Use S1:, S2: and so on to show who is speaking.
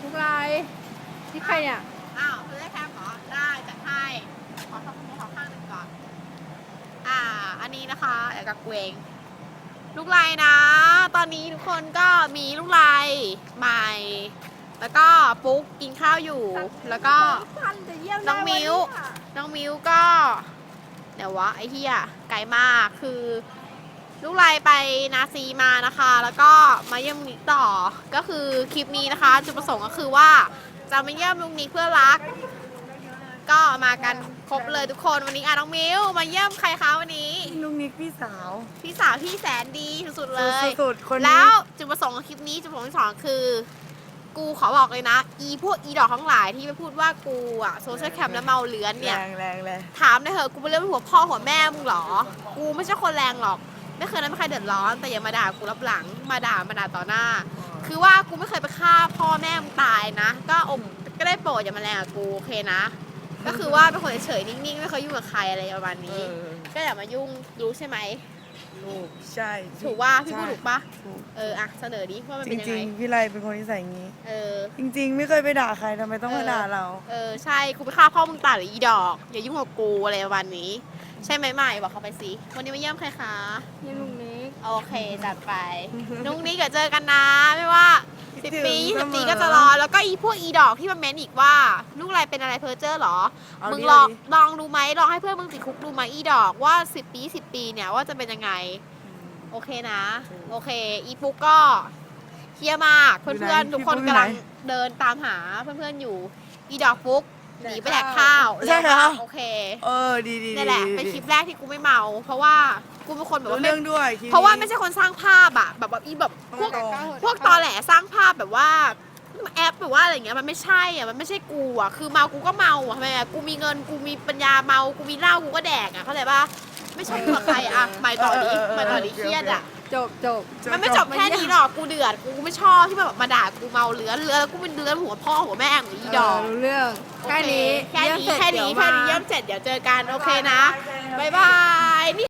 S1: กไลที่ใครเนี่ย
S2: อ้าวคือได้แคมเหรอได้จัดให้ขอทำมือขอข้างหนึ่งก่อนอันนี้นะคะเดี๋ยวกับเกวงลูกไลนะ ตอนนี้ทุกคนก็มีลูกไลใหม่ แล้วก็ปุ๊กกินข้าวอยู่ แล้วก็น้องมิ้วก็เดี๋ยววะไอ้เหี้ยไกลมากคือลูกไลไปนาซีมานะคะ แล้วก็มาเยี่ยมลุงนิกต่อก็คือคลิปนี้นะคะจุดประสงค์ก็คือว่าจะมาเยี่ยมลุงนิกเพื่อรักก็มากันครบเลยทุกคนวันนี้น้องมิ้วมาเยี่ยมใครคะวันนี้
S3: ลุงนิกพี่สาว
S2: ที่แสนดีสุดๆเลย
S3: สุดๆคนนี้
S2: แล้วจุดประสงค์ของคลิปนี้จุดประสงค์ที่สองคือกูขอบอกเลยนะพวกดอกทั้งหลายที่ไปพูดว่ากูอะโซเชียลแคมแล้วเมาเลื้อนเนี่ย
S3: แรงเลย
S2: ถามได้เหอะกูเป็นเรื่องหัวพ่อหัวแม่มึงหรอกูไม่ใช่คนแรงหรอกไม่เคยนั้นไม่เคยเดือดร้อนแต่อย่ามาด่ากูรับหลังมาด่าต่อหน้าคือว่ากูไม่เคยไปฆ่าพ่อแม่มึงตายนะก็ได้โปรดอย่ามาแรงกับกูโอเคนะก็คือว่าเป็นคนเฉยๆนิ่งๆไม่เคยยุ่งกับใครอะไรประมาณนี้ก็อย่ามายุ่งรู้ใช่ไหม
S3: ถูกใช่
S2: ถูกว่าพี่พูดถูกปะเสนอดิว่ามันเป็นยังไง
S3: จริงๆพี่ไรเป็นคนที่ใส่งี้จริงๆไม่เคยไปด่าใครทำไมต้องมาด่าเรา
S2: ใช่กูไปฆ่าพ่อมึงตายหรืออีดอกอย่ายุ่งกับกูอะไรประมาณนี้ใช่ไหมใหม่บอกเขาไปสิวันนี้มาเยี่ยมใครคะ
S1: เยี่ยมลุงนิก
S2: โอเคจัดไปลุงนิกเจอกันนะไม่ว่า10 ปี20 ปีก็จะรอแล้วก็พวกดอกที่มาเม้นอีกว่าลูกไรเป็นอะไรเพอเจอร์หรอมึงลองดูไหมลองให้เพื่อนมึงติดคุกดูไหมดอกว่า10 ปี10 ปีเนี่ยว่าจะเป็นยังไงโอเคนะโอเคปุ๊กก็เฮี้ยมากเพื่อนๆทุกคนกำลังเดินตามหาเพื่อนๆอยู่ดอกปุ๊กหนีไปแดกข้าว
S3: ใช่ค่ะ
S2: โอเค
S3: ดี
S2: นี่แหละเป็นคลิปแรกที่กูไม่เมาเพราะว่ากูเป็นคนแบบว่า
S3: เรื่องด้วย
S2: เพราะว่าไม่ใช่คนสร้างภาพอะแบบพวกตอแหลสร้างภาพแบบว่าแอปแบบว่าอะไรเงี้ยมันไม่ใช่อะมันไม่ใช่กูอะคือเมากูก็เมาอะทำไมอะกูมีเงินกูมีปัญญาเมากูมีเหล้ากูก็แดกอะเข้าใจปะไม่ใช่กับใครอะไม่ต่อดีเครียดอะ
S1: จบ
S2: มันไม่จบแค่นี้หรอกกูเดือดกูไม่ชอบที่แบบมาด่ากูเมาเลือนกูเป็นเลือนหัวพ่อหัวแม่ของอีดอก
S1: เรื่องแค่นี้
S2: เยี่ยมเสร็จเดี๋ยวเจอกันโอเคนะบ๊ายบาย